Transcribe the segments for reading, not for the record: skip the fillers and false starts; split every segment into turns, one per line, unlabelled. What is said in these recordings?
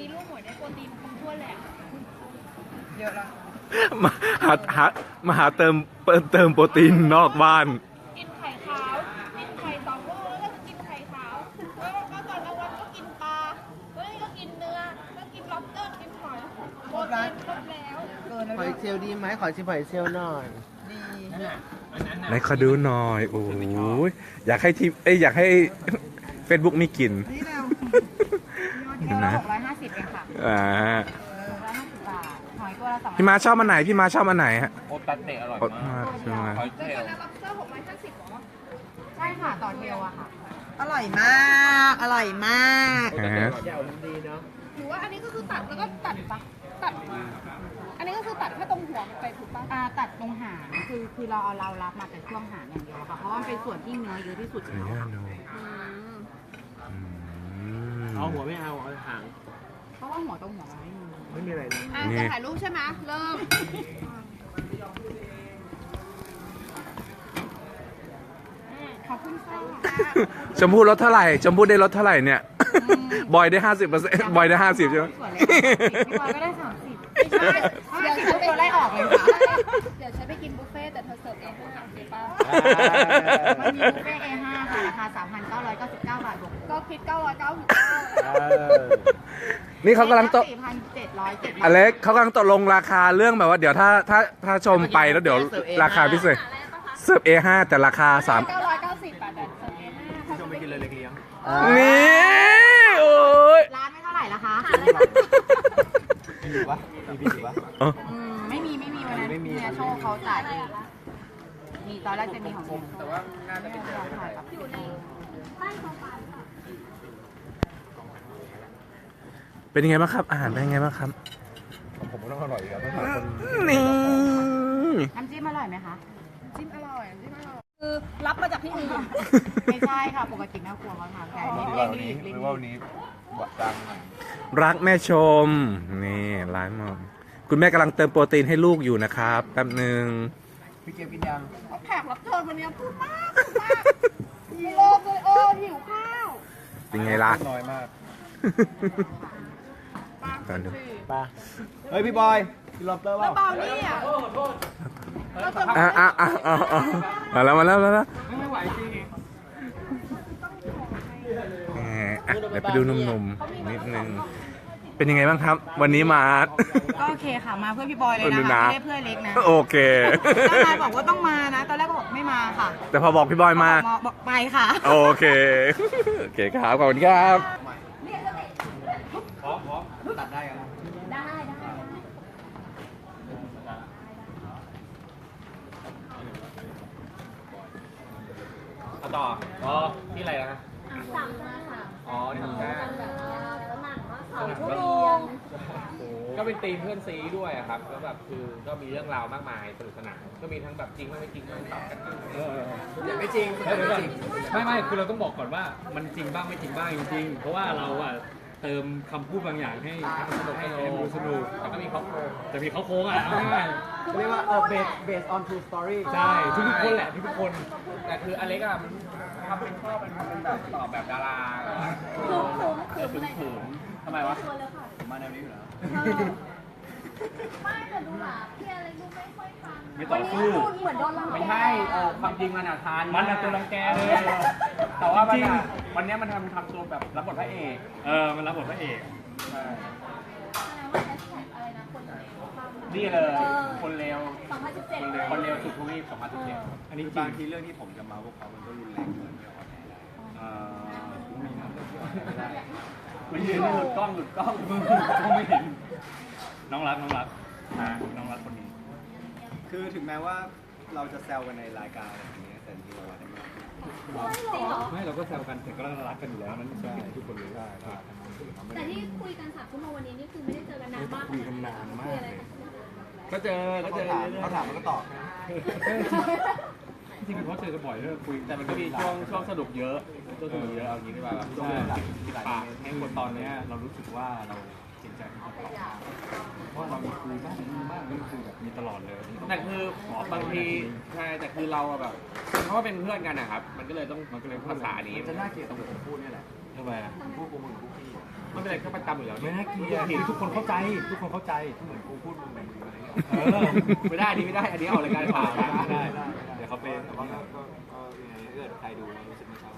นี้ลูกหมวยได้โปรตีนครบถ้วนเลยอ่ะ
เยอะละ
มาหาเติมโปรตีนนอกบ้าน
กินไข่ขาวกินไข่สองลูกแล้วก็กินไข่ขาวแล้วก็ตอนกลางวันก็กินปลาแล้วนี่ก็กินเนื้อแล้วกินล็อบสเตอร์กินหอยโปรตีนครบแล้ว
เกินแล้ว
หอยเชลล์ดีไหมขอชิมหอยเชลล์หน่อย
ดี
ไหนขอดูหน่อย โอ้ยอยากให้ทีมอยากให้ Facebook มีกลิ่น
นี่แล้ว
เห็นไหม
650เองค่ะ
อ่า
650 บาท หอยตัวละ2
พี่มาชอบอันไหนพี่มาชอบอันไหนฮะ
โอตัดเตะอร่อย
อด
มาม
าก กใช่ไหม
หอยเช
เดี๋ยว
ล
ก่อน
ล์
นะล็อบสเตอร์650หรอ
ใช่ค่ะ ต่อเทลอะค่ะ
อร่อยมาก อร่อยมาก
อ่า
เดี๋ยวมันดีเนาะ
หรือว่าอันนี้ก็คือตัดแล้วก็ตัดอันนี้ก็คือตัดแค่ตรงหัวมันไปถูกปะ
ตัดตรงหางคือเรารับมาแต่ช่วงหางอย่างเดียวค่ะ เพราะว่ามันเป็นส่วนที่เนื้อเยอะที่สุด
ขออนุญาตดู
อืม
อืม
เอาหัวไม่เอาหาง
เพราะว่าหัวตรงหัวมันไม่มี
ไม่มีอะไรนะ
อ่ะจะถ่ายรูปใช่ไหมเริ่ม
ขอบคุณค่ะ
ชมพู่ลดเท่าไหร่ชมพู่ได้ลดเท่าไหร่เนี่ย บอยได้ 50%บอยได้ 50ใช่ไหม
ส่วนเลยพี่บอยก็ได้30ไม่ใช่เดี๋ยวฉันตัวไล่ออกเลยค่ะ
เดี๋ยวฉันไปกินบุฟเฟ่ต์แต่เธอเสิร์ฟเองข้างหลังเดี๋ยวป้า
มันมีบุฟเฟ่ต์ A5 ค่ะ ราคา 3,999 บาทบวก
ก็คิด999
นี่เขากำลังตก
4,707
อเล็กเขากำลังตกลงราคาเรื่องแบบว่าเดี๋ยวถ้าชมไปแล้วเดี๋ยวราคาพิเศษเสิร์ฟ A5 แต่ราคา3
990 บาทแต่เสิร์ฟเองถ้าชมไปกินเลย
นี่โอ้ย
ร้านไม่เท่าไหร่ละคะ
มีอยู่ปะมีพี่อยู่ปะ
ไม่มีวันนั้นเนี่ยโชว์เขาจ่ายเองมีตอนแรกจะมีของผมแต่ว่าน่าจะเป็นอยู่ใน
เป็นยังไงบ้างครับอาหารเป็นยังไงบ้างครับ
ผมก็ต้องอร่อยอีกครับต้องหาคน
นี่
น้ำจิ้มอร่อยไหมคะ
จิ้มอร่อยคือรับมาจากที่อื่น
ไม่ใช่ค่ะ ปกติแม่ครัวเขาทำแต่อันนี้เร่งรีบ
หรือว่าวันนี้หวัดดังหน่อย
รักแม่ชม นี่ร้านมอมคุณแม่กำลังเติมโปรตีนให้ลูกอยู่นะครับแป๊บหนึ่ง
พี่เกียวกินยัง
แขกรับเชิญวันนี้พูดมากมีโลกเลยหิวข้าว
เป็นไงล่ะ
น้อยมาก
ตอนดู
ปลาเฮ้ยพี่บอยกินล็อบสเตอร์เปล่า
เบานี่อ่ะ
มาแล้ว
ไม่ไหวจริง
เดี๋ยวไปดูหนุ่มๆนิดนึงเป็นยังไงบ้างครับ วันนี้มา
ก็โอเคค่ะ มาเพื่อพี่บอยเลย
ดู
นะ
นะ
คะไม่ได้เพื่อเล็กนะ
โอเค
เจ้านายบอกว่าต้องมานะ ตอนแรกก็บอกไม่มาค่ะ
แต่พอบอกพี่บอยมา
บอกไปค่ะ
โอเค โอเคครับ ขอบคุณครับ
พร้อมตัดได้กัน เอาต่อ อ๋อ ที่อะไรนะอ๋อ นี่ทำแค่
ก็เป็นธีมเพื่อนซีด้วยอะครับก็แบบคือก็มีเรื่องราวมากมายสนุกสนานก็มีทั้งแบบจริงบ้างไม่จริงบ้างตอบกันบ้าง
อย่างไม่จริง
เดี๋ยวก่อนไม่คือเราต้องบอกก่อนว่ามันจริงบ้างไม่จริงบ้างจริงๆเพราะว่าเราอะเติมคำพูดบางอย่างให้มันสนุกให้มันดูสนุกแต่ก็มีเขาโครงแต่มีเขาโค้งอะเอาง่าย
เรียกว่าbased on true story
ๆใช่ทุกๆคนแหละทุกๆคนแต่คืออเล็กอะมันทำเป็นชอบเป็นแบบตอบแบบดาราขืมทำไมวะ
ผมมาแนวนี้อยู่แล้ว
ไม่แต่ดูหมาพี่อะไรดูไม่ค่อยฟัง
ไม่ต่อสู้
เหมือนโดนรัง
ไม่ใช่ความจริงมันทานมันตัวรังแกเลยแต่ว่ามันวันนี้มันทำตัวแบบรับบทพระเอกมันรับบทพระเอกนี่เลยคนเลวคนเลวสุดทวีป2017อันนี้จริ
บาง งทีเรื่องที่ผมจะมาพวกเขามันก็รุนแรงเกินไปออนแอร์ได้
มันยืนหลุดกล้องก็ไม่เห็นน้องรักน้องรักคนนี้
คือถึงแม้ว่าเราจะแซวกันในรายการอะไรอย่างเงี้ยแต่จริงๆเรารักกันมาก
ไม่เราก็แซวกันแต่ก็รักกันอยู่แล้วนั่นใช่ทุกคนรู้ได้
แต่ที่คุยกัน3 ชั่วโมงวันนี้นี่คือไม่ได้เจอกันนานมาก
คุยกันนานมาก
คุยอะไร
เลย
กัน
ก็เจอ
เขาถามมันก็ตอบ
จริงๆเขาเจอกันบ่อยเลยคุยแต่มันก็มีช่วงสนุกเยอะเอางี้ดีกว่าช่วงปากในบทตอนนี้เรารู้สึกว่าเราสินใจที่จะตอบเพราะเรามีคุยบ้างไม่คุยแบบมีตลอดเลย
แต่คือบางทีใช่แต่คือเราอะแบบเพราะว่าเป็นเพื่อนกันนะครับ มันก็เลยต้องภาษานี้
จะน่าเกลียดตรงผมพูดนี่แหละ
ทำไมอ่ะ
พูดกูมึงกูพี่
ไม่เป็นไรก็ประจำอยู่แล้ว
ไม่น่าเกลียดทุกคนเข้าใจทุกคนเข้าใจ
เหมือนกูพูดมึงอะไรอย่างเงี้ย
ไม่ได้นี่ไม่ได้ อันนี้ออกรายการข่าว
ได้เดี๋ยวเขาเป็น
แต่ว่าก็ยังไงเกิดใครดูรู้สึกไม่ชอบ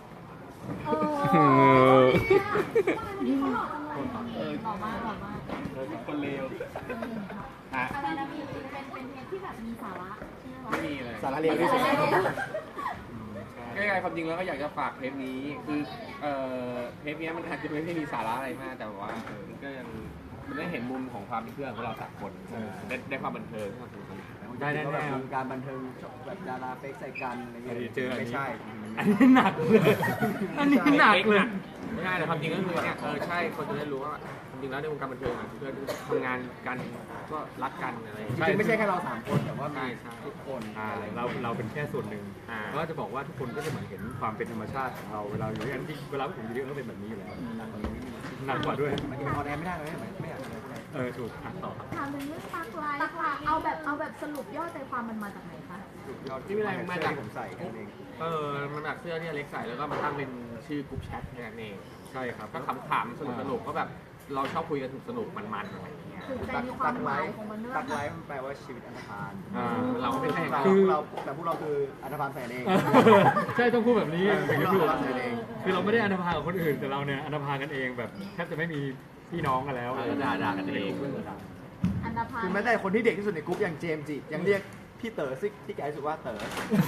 คนเลว
อ่ะ
อะไรนะมีเป็นเทปที่แบบมีสาระใช่ไหม
ไม่มีเลย
สาระเลวที่สุด
ก็ยังไงความจริงแล้วก็อยากจะฝากเทปนี้คือเทปนี้มันอาจจะไม่ได้มีสาระอะไรมากแต่ว่ามันก็ยังมันได้เห็นมุมของความเป็นเพื่อนของเรา3คนได้ความบันเทิงความสนุกสนาน
ได้แน่
แบบวงการบันเทิงแบบดาราเฟกใส่กันอะไรเงี้ย
เจออันนี้
ไม่ใช่
อันนี้หนักเลยอันนี้หนักเลย
ไม่ใช่แต่ความจริงก็คือเนี่ยใช่คนจะได้รู้ว่าความจริงแล้วในวงการบันเทิงเพื่อนทำงานกันก็รักกันอะไร
จริงๆไม่ใช่แค่เรา3คนแต่ว่ามี
ใช่
ทุกคน
เราเป็นแค่ส่วนหนึ่งก็จะบอกว่าทุกคนก็จะเหมือนเห็นความเป็นธรรมชาติของเราเวลาอยู่ด้วยกันที่เวลาผมอยู่ด้วยกันก็เป็นแบบนี้อยู่แล้วหนักกว่าด้วย
มันยังออนแอร์ไม่ได้เลยไม่อยากทำอะไร
ถูกต่อครับ
ถามถึงเรื่องปักไลฟ์ค่ะเอาแบบสรุปยอดใจความมันมาจากไหนคะ
ยอดที่มาจากผมใส่กันเอง
มันแบบเสื้อที่อเล็กใส่แล้วก็มาตั้งเป็นชื่อกลุ่มแชทแค่นั้นเอง
ใช่ครับ
ก็ขำๆสนุกๆก็แบบเราชอบคุยกันสนุกมันๆอะไรอย่างเงี้ย
ถึงใจมีความหมายของมันด้วย
ตักไลฟ์มันแปลว่าชีวิตอันธพาล
เราก็ไม่ใช่
แต่พวกเราคืออันธพาลแฝงเอง
ใช่ต้องพูดแบบนี้
เป็น
คือ
เราใส่เอง
คือเราไม่ได้อนาภากับคนอื่นแต่เราเนี่ยอนาภากันเองแบบแทบจะไม่มีพี่น้องกันแล้ว
ด่ากันเอง
อันดาพา
คือแม้แต่คนที่เด็กที่สุดในกรุ๊ปอย่างเจมส์จิยังเรียกพี่เต๋อซิที่แกรู้สึกว่าเต๋อบ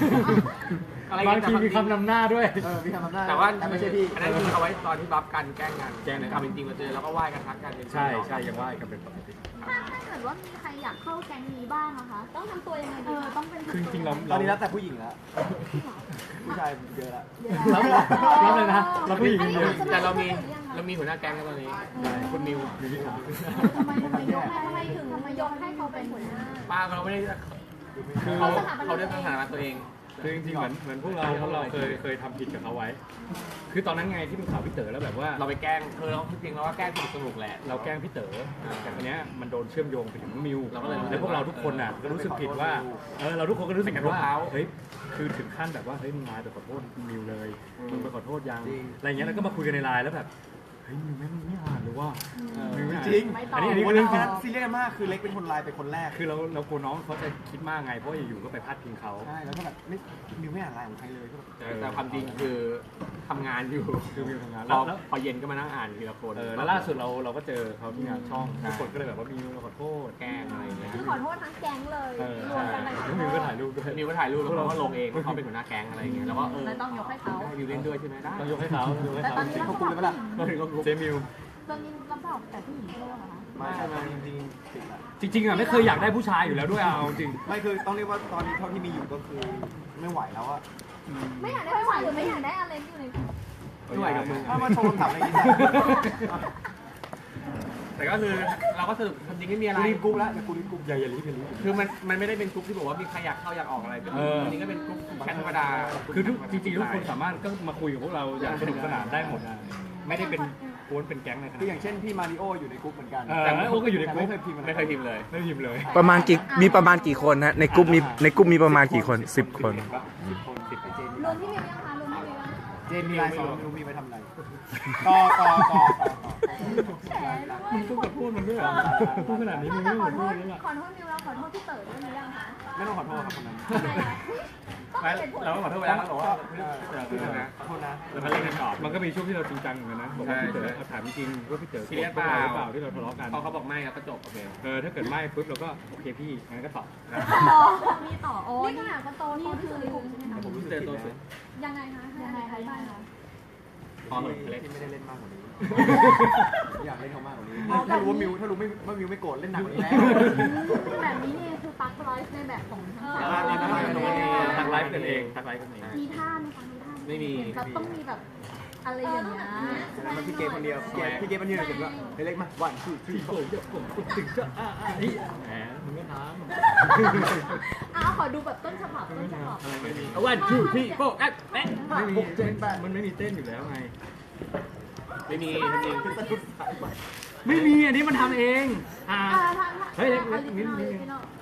างทีมีคำนำหน้าด้วย
มีคำนำหน้า
แต่ว่า
ไม่ใช่พี่
อันนั้นคือเอาไว้ตอนที่บัฟกันแกล้งกันความเป็นจริงมาเจอแล้วก็ไหว้กันทักกัน
ใช่ยังว่ากันเป็นปกติ
ถ้าเกิดว่ามีใครอยากเข้าแก๊งนี้บ้างนะคะ ต้องทำตัวยังไงดีต้องเป็น
คือจริงๆเรา
ตอนนี้แล้วแต่ผู้หญิงแล้วผู้ชายเยอะแล้ว
รับเลยนะเราผู้หญิงเยอะ
แต่เรามีหัวหน้าแก๊งแล้วตอนนี้คุณมิว
อยู่ที่ขา
ทำไมยกให้เขาเป็นหัวหน้า
ป้าเราไม่ได้
คือ
เขาได้สถานะตัวเอง
คือจริงๆเหมือนพวกเราเคยทำผิดกับเขาไว้ คือตอนนั้นไงที่เป็นข่าวพี่เต๋อแล้วแบบว่า
เราไปแกล้งเราจริงๆเราก็แกล้งสนุกแหละ
เราแกล้งพี่เต๋อแต่ทีเนี้ยมันโดนเชื่อมโยงไปถึงน้องมิว
เราก็เลย
แล้วพวกเราทุกคนน่ะก็รู้สึกผิดว่าเราทุกคนก็รู้สึกผิดว่า
ไปกระทบเขา
เฮ้ยคือถึงขั้นแบบว่าเฮ้ยมึงมาไปขอโทษมิวเลยมึงไปขอโทษยัง
จริง
อะไรเงี้ยแล้วก็มาคุยกันในไลน์แล้วแบบเฮ้ยมิวแม่งไม่อ่านหรือว่ามิวไม่อ่าน
จริง
อันนี้
วัน
เรื่
นั้
องจริง
นซีเรียสกันมากคือเล็กเป็นคนไลน์เป็นคนแรก
คือเรากลัวน้องเขาจะคิดมากไงเพราะอยู่ๆก็ไปพาดพิงเขา
ใช่แล้วก็แบบไม่มิวไม่อ่านไลน์ของใครเลยก็แบบ
แต่ความจริงคือทำงานอยู่
คือมิวทำงาน
พ
แล้
อ
วแล้ว
พอเย็นก็มานั่งอ่านทีละคน
แล้วล่าสุดเราก็เจอเขาที่งานช่องทุกคนก็เลยแบบว่ามิวเราขอโทษ
แกล้งอะไรอย่างเงี้ย
คือขอโทษทั้งแก๊งเลย รวม
ใช่
กันไปขอ
แล้ว
โท
มิวก็
ษ
ถ่ายรูปด้วย
มิวก็ถ่ายรูปแล้วเราก็ลงเองว่าเขาเป็นหัวหน้าแก๊งอะไรอย่างเงี้ยแล้วก็
เลยต้องยกให้เขา
ให้มิวเล่นด้วยใช่ไหมได้
ต้องยกให้เขาต้องยกให้
แต่
เขา
ตอนนี้เรา
เขาคุยกันไปละ
ก็ถึงก็รู้
เจมิว
ตอนนี้รับบอกแต่ผู้หญิงด้วยเหรอคะ
ไม่จริงๆผิดละ
จริงๆอ่ะไม่เคยอยากได้ผู้ชายอยู่แล้วด้วยเอาจริง
ไม่คือต้องเรียกว่าตอนนี้เท่าที่มีอยู่ก็คือไม่ไหวแล้วอะ
ไม่อยากได้ผู้ชายหรือไม่อยากได้อะไรที่อยู่ใน
ไม่ไหวกับมึง
ถ้ามาโชว์คำถามอะไรอย่างเงี้ย
แต่ก็คือเราก็สรุปความจริงไม่มีอะไร
กูรีบกรุ๊ปแล้วแต่กูรีบกรุ๊ป
อย่ารีบ
คือมันไม่ได้เป็นกรุ๊ปที่บอกว่ามีใครอยากเข้าอยากออกอะไรเป็นจริงๆก็เป็นกรุ๊ปแชทธรรมดา
คือจริงๆทุกคนสามารถก็มาคุยกับพวกเราอย่างสนุกสนานได้หมดนะไม่ได้เป็นกวนเป็นแก๊งอะไรขนาด
คืออ
นั้
ย่างเช่นพี่มาริโออยู่ในกรุ๊ปเหมือนกัน
แต่โอ้ก็อยู่ในกรุ๊ป
ไม่เคยพิมพ์
ไม่เคยพิมพ์เลย
ไม่พิมพ์เลย
ประมาณกี่คนฮะในกลุ่มมีประมาณกี่คน10 คน
10 คน10ไปเจน
รวมที่มิวยังคะรวมที่มิวยัง
เจนมีไลน์สองมิวมีไปทำอะไร
แฉด้วย
มึงต้องขอโทษมันด้วยเหรอพูดขนาดนี้มึง
แต่
ไม่
ข
ข
อ
อ
โท
โท
ษ
ษเลยล่ะ
ขอโทษมิวแล้วขอโทษพี่เต๋อด้วยหรือยังคะ
ไม่ต้องขอโทษครับคนนั้น
ทำไมคะต้อง
ไม่
เหตุผล
เราก็ขอโทษไปแล้วเราบอกว่า
ขอโทษนะ
แล้วก็เล่นกันต่อมันก็มีช่วงที่เราจริงจังเหมือนกันนะบอกว่าพี่เต๋อถามจริงว่าพี่เต๋อโกรธพวกเราหรือเปล่าที่เราทะเลาะกัน
พอเขาบอกไม่เราก็จบโอเค
ถ้าเกิดไม่ปุ๊บเราก็โอเคพี่งั้นก็ตอบ
มีต่อโอ้นี่ขนาดเขาโตนี่คือใช่ไหมคะ
ผมรู้สึก
เจอ
ผิด
ตัวสุด
นะ
ยังไงคะยังไงคะบ้างคะ
พอเหมือนเล็ก
ที่ไม่ได้เล่นมากกว่านี้ อยากเล่นเขามากกว่านี้ ถ้ารู้ว่ามิวไม่โกรธเล่นหนักกว่านี้แล้ว
แบบนี้นี่คือปักไลฟ์ในแบบของทั้งสอง
ทักไลฟ์กันเองทักไลฟ์กันเอง
มีท่าไหมคะมีท่า
ไม่มี
เราต้องมีแบบอะไรอย่างเงี้ย
แล้วมันพี่เกมคนเดียวพี่เกมมันยืนเห็นว่าเฮ้ยเล็กมาวันคือ
พี่โกรธเดี๋ยวผมถึงจะนี่แหมมึงก็ถาม
ขอดูแบบต้นฉบับต้นฉบับ
อะไรไม่มี
วันทูที่โป๊ะเอ๊ะ
ไม่มีมันไม่มีเต้นอยู่แล้วไง
ไม่มีจริง
มไม่มีอันนี้มันทำเองเฮ้ยเล็กนิดนึง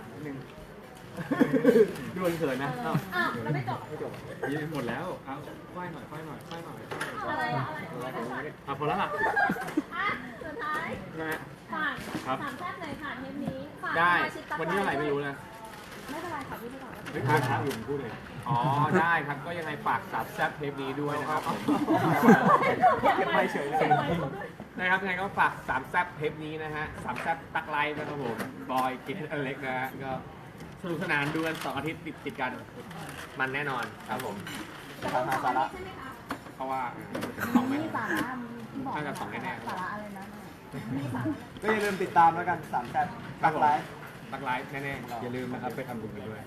ดูเขินนะแล้วไม่จบยืนหมดแล้วเอาค่อยหน่อย
อะไร
พอแล้วล่ะ
สุดท้าย
นะฮะ
ฝาก
ครับ
สามแซ่บหน่อยค่ะเทปนี้ฝาก
ได้
สมาชิกตัก
วันนี้เท่าไหร่ไม่รู้นะ
ไม่เป็นไรค่ะพี่ไปก่อน
เฮ้ยครับอยู่พูดเลย
อ๋อ ได้ครับ ก็ยังไงฝากสามแซ่บเทปนี้ด้วยนะครับผม
ไปเฉยเลย
นะครับยังไงก็ฝากสามแซ่บเทปนี้นะฮะสามแซ่บตักไลฟ์นะครับผมบอยกินอเล็กนะฮะก็สนุกสนานดูกัน2 อาทิตย์ติดกัน มันแน่นอนครับผม
ทางหาสาระ
เพราะว่าสองไม่
มีสาระมีบอก
น่าจะสองแน่ๆ
สาระอะไรนะ
ก็อย่าลืมติดตามแล้วกัน3แซ่บตักไลฟ์
ตักไลฟ์แน่ๆ
อย่าลืมนะครับไปทำบุญกันด้วย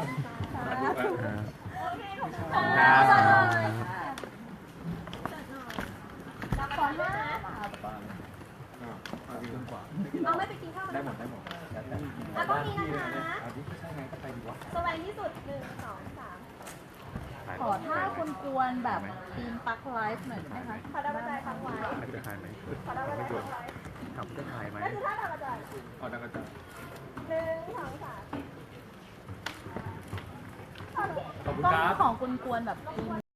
ครับ
ก่อนว่าน้องไม่ไปกินข้าว
ได้หมด
แล้วก็มีนะคะสบายที่สุด1 2 3
ขอท่าคุณกวนแบบทีมปักไลฟ์หน่อยได้ไหมคะ
ขอดาวกระจายฟังไว้
จะถ่ายไหม
ขอดาวกระจายฟังไว้
ขับจะถ่ายไหม
นั่นคือท่าดาวกระจาย
อ๋อดังกันจ้ะ
1 2 3
ขอบคุณ
ต้อง
ครับ
ของคุณกวนแบบทีม